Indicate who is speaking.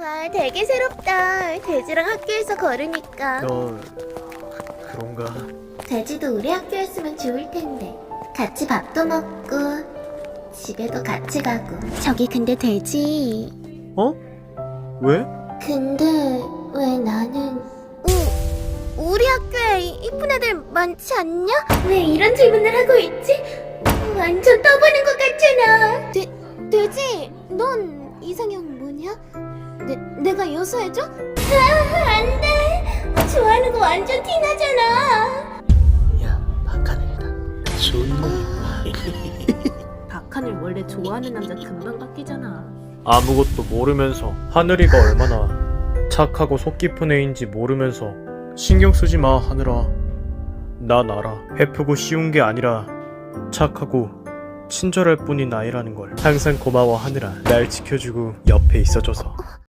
Speaker 1: 와, 되게 새롭다. 돼지랑 학교에서 걸으니까.
Speaker 2: 그런가?
Speaker 1: 돼지도 우리 학교였으면 좋을 텐데. 같이 밥도 먹고 집에도 같이 가고. 저기 근데 돼지.
Speaker 2: 어? 왜?
Speaker 1: 근데 왜 나는 우리 학교에 이쁜 애들 많지 않냐? 왜 이런 질문을 하고 있지? 완전 떠보는 것 같잖아. 돼지, 넌 이상형 뭐냐? 내가 요소해줘? 안 돼. 좋아하는 거 완전 티나잖아.
Speaker 2: 야, 박하늘이다. 좋네.
Speaker 3: 박하늘 원래 좋아하는 남자 금방 바뀌잖아.
Speaker 2: 아무것도 모르면서 하늘이가 얼마나 착하고 속 깊은 애인지 모르면서 신경 쓰지 마, 하늘아. 난 알아. 베프고 쉬운 게 아니라 착하고 친절할 뿐인 아이라는 걸. 항상 고마워, 하늘아. 날 지켜주고 옆에 있어줘서.